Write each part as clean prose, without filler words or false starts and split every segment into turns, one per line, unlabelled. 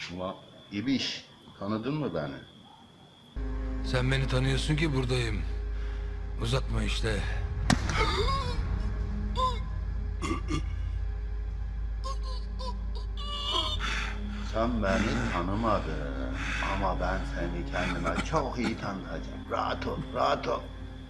Ulan İbiş, tanıdın mı beni?
Sen beni tanıyorsun ki buradayım. Uzatma işte.
Sen beni tanımadın ama ben seni kendime çok iyi tanıtacağım. Rahat ol, rahat ol.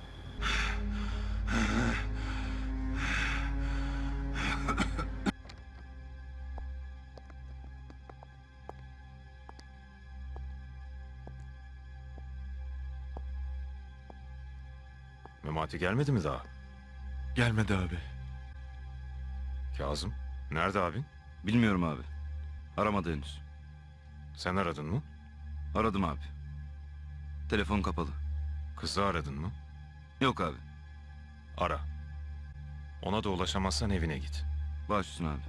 Memati gelmedi mi daha?
Gelmedi abi.
Kazım, nerede abin?
Bilmiyorum abi. Aramadı henüz.
Sen aradın mı?
Aradım abi. Telefon kapalı.
Kızı aradın mı?
Yok abi.
Ara. Ona da ulaşamazsan evine git.
Baş üstüne abi.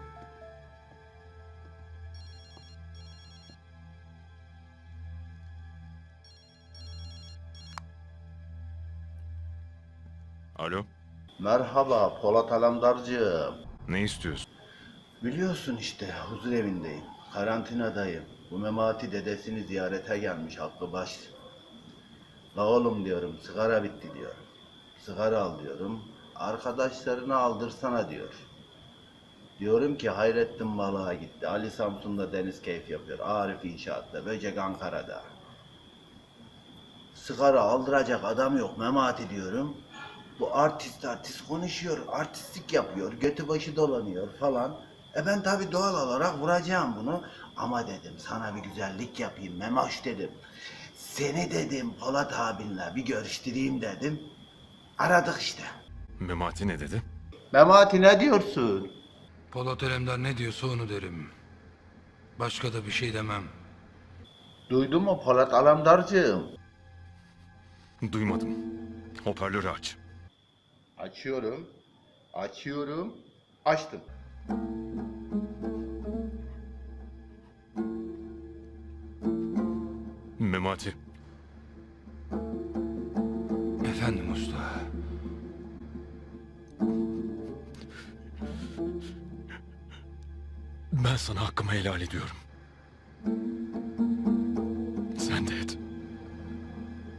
Alo,
Merhaba Polat Alemdarcığım.
ne istiyorsun?
Biliyorsun işte huzur evindeyim. Karantinadayım. Bu Memati dedesini ziyarete gelmiş aklı baş. La oğlum diyorum sigara bitti diyor. Sigara al diyorum. Arkadaşlarını aldırsana diyor. Diyorum ki Hayrettin balığa gitti. Ali Samsun'da deniz keyif yapıyor. Arif inşaatta. Böcek Ankara'da. Sigara aldıracak adam yok Memati diyorum. Bu artist konuşuyor. Artistlik yapıyor. Götü başı dolanıyor falan. Ben tabii doğal olarak vuracağım bunu. Ama dedim sana bir güzellik yapayım Memoş dedim. Seni dedim Polat abinle bir görüştüreyim dedim. Aradık işte.
Memati ne dedi?
Memati ne diyorsun?
Polat Alemdar ne diyorsa onu derim. Başka da bir şey demem.
Duydun mu Polat Alemdarcığım?
Duymadım. Hoparlörü aç.
Açıyorum. Açıyorum. Açtım.
Memati,
Efendim usta.
ben sana hakkımı helal ediyorum. Sen de et.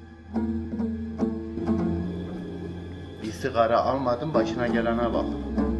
Bir sigara almadım başına gelene bak.